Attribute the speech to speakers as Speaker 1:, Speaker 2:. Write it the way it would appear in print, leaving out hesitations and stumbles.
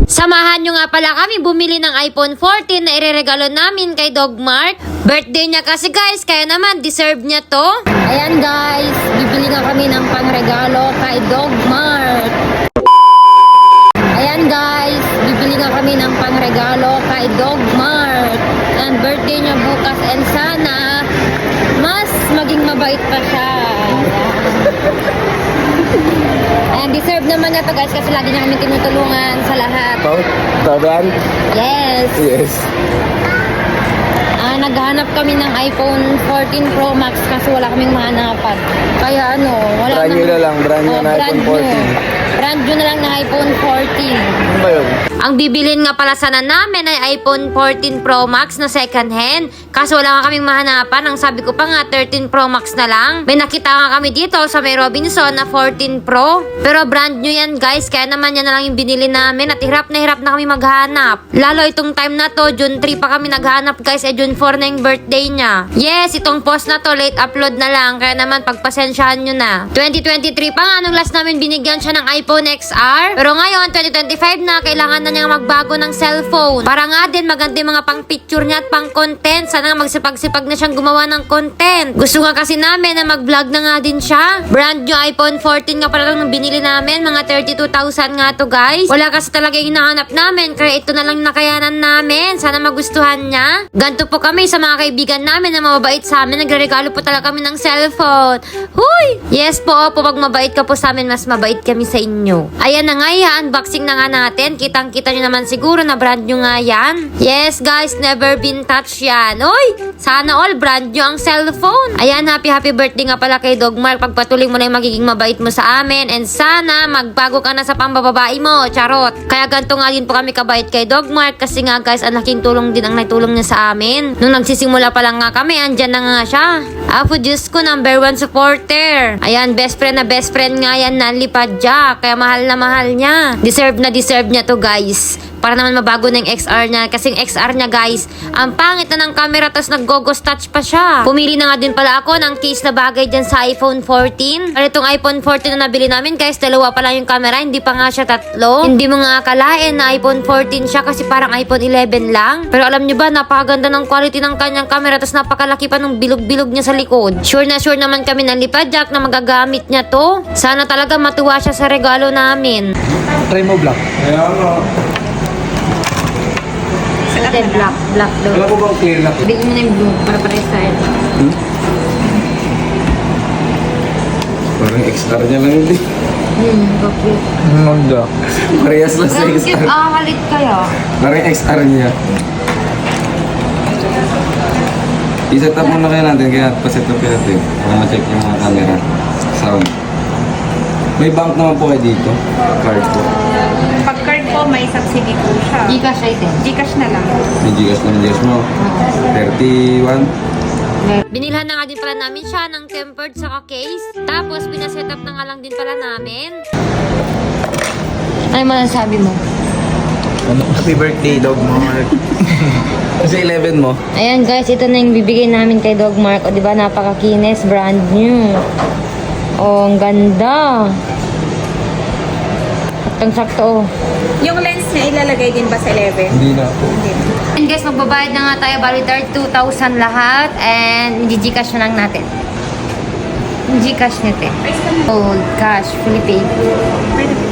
Speaker 1: Samahan nyo nga pala kami bumili ng iPhone 14 na ireregalo namin kay Dogmart. Birthday niya kasi guys, kaya naman deserve niya to. Ayan guys, bibili nga kami ng pangregalo kay Dogmart. Ayan guys, bibili nga kami ng pangregalo kay Dogmart. And birthday niya bukas and sana mas maging mabait pa siya. And deserve naman niya to guys kasi lagi niya kami tinutulungan sa lahat.
Speaker 2: Taban?
Speaker 1: Yes.
Speaker 2: Yes.
Speaker 1: Naghanap kami ng iPhone 14 Pro Max kasi wala kaming mahanapan. Kaya wala
Speaker 2: Brand new na lang, brand new na iPhone 14.
Speaker 1: Brand new na lang na iPhone 14.
Speaker 2: Ano ba yun?
Speaker 1: Ang bibilin nga pala sana namin ay iPhone 14 Pro Max na second hand. Kaso wala nga kaming mahanapan. Ang sabi ko pa nga 13 Pro Max na lang. May nakita nga kami dito sa may Robinson na 14 Pro. Pero brand new yan guys. Kaya naman yan na lang yung binili namin. At hirap na kami maghanap. Lalo itong time na to, June 3 pa kami naghanap guys. June 4 na yung birthday niya. Yes, itong post na to, late upload na lang. Kaya naman pagpasensyahan nyo na. 2023 pa nga nung last namin binigyan siya ng iPhone XR. Pero ngayon, 2025 na, kailangan na niya magbago ng cellphone. Para nga din maganda yung mga pang picture niya at pang content. Sana nga magsipag-sipag na siyang gumawa ng content. Gusto nga kasi namin na mag-vlog na nga din siya. Brand new iPhone 14 nga pala lang binili namin. Mga 32,000 nga to guys. Wala kasi talaga yung hinahanap namin. Kaya ito na lang nakayanan namin. Sana magustuhan niya. Ganto po kami sa mga kaibigan namin na mababait sa amin. Nagre-regalo po talaga kami ng cellphone. Huy! Yes po, pag mabait ka po sa amin, mas mabait kami sa inyo. Ayan na nga yan, unboxing na nga natin. Kitang-kita nyo naman siguro na brand new nga yan. Yes guys, never been touched yan. Uy! Sana all brand new ang cellphone. Ayan, happy birthday nga pala kay Dogmart. Pagpatuloy mo na yung magiging mabait mo sa amin. And sana magbago ka na sa pambababae mo. Charot. Kaya ganito nga din po kami kabait kay Dogmart. Kasi nga guys, ang laking tulong din ang naitulong niya sa amin. Nung nagsisimula pa lang nga kami, andyan na nga siya. Apo Diyos ko, #1 supporter. Ayan, best friend nga yan, Nanli Padjak. Kaya mahal na mahal niya. Deserve niya to guys. Para naman mabago na yung XR niya. Kasi yung XR niya guys, ang pangit na ng camera tapos nag-gogos touch pa siya. Pumili na nga din pala ako ng case na bagay dyan sa iPhone 14. At itong iPhone 14 na nabili namin guys, dalawa pa lang yung camera, hindi pa nga siya tatlo. Hindi mo nga akalain na iPhone 14 siya kasi parang iPhone 11 lang. Pero alam nyo ba, napakaganda ng quality ng kanyang camera tapos napakalaki pa ng bilog-bilog niya sa likod. Sure naman kami ng Lipadjak na magagamit niya to. Sana talaga matuwa siya sa regalo namin.
Speaker 2: Try mo black. Kaya
Speaker 1: Black daw.
Speaker 2: Wala ko bang clear na?
Speaker 1: Bigyan mo na yung blue para style.
Speaker 2: Parang XR niya lang hindi.
Speaker 1: Bakit?
Speaker 2: Manda. Parehas lang sa
Speaker 1: Bakit
Speaker 2: XR.
Speaker 1: halit kaya?
Speaker 2: Parang XR niya. I-set up muna kaya natin, kaya pa-set up natin. Para ma-check yung mga camera. Sound. May bank naman po kayo dito. Card po.
Speaker 3: Pag card po, may subsidy po siya.
Speaker 1: Gcash item.
Speaker 3: Gcash na lang.
Speaker 2: May Gcash naman, Gcash mo. 31.
Speaker 1: Binilhan na nga din pala namin siya ng tempered saka case. Tapos, pinaset up na nga lang din pala namin. Ano masasabi mo?
Speaker 2: Happy birthday, Dogmark. Kasi 11 mo.
Speaker 1: Ayan guys, ito na yung bibigay namin kay Dogmark. O diba, napakakinis, brand new. Oh, ang ganda. Saktong-sakto.
Speaker 3: Yung lens niya ilalagay din ba sa 11?
Speaker 2: Hindi na po.
Speaker 3: Hindi.
Speaker 1: And guys, magbabayad na nga tayo. Bali 32,000 lahat. And Gcash na lang natin. Gcash nito eh. Old cash, fully paid.
Speaker 3: Pwede po.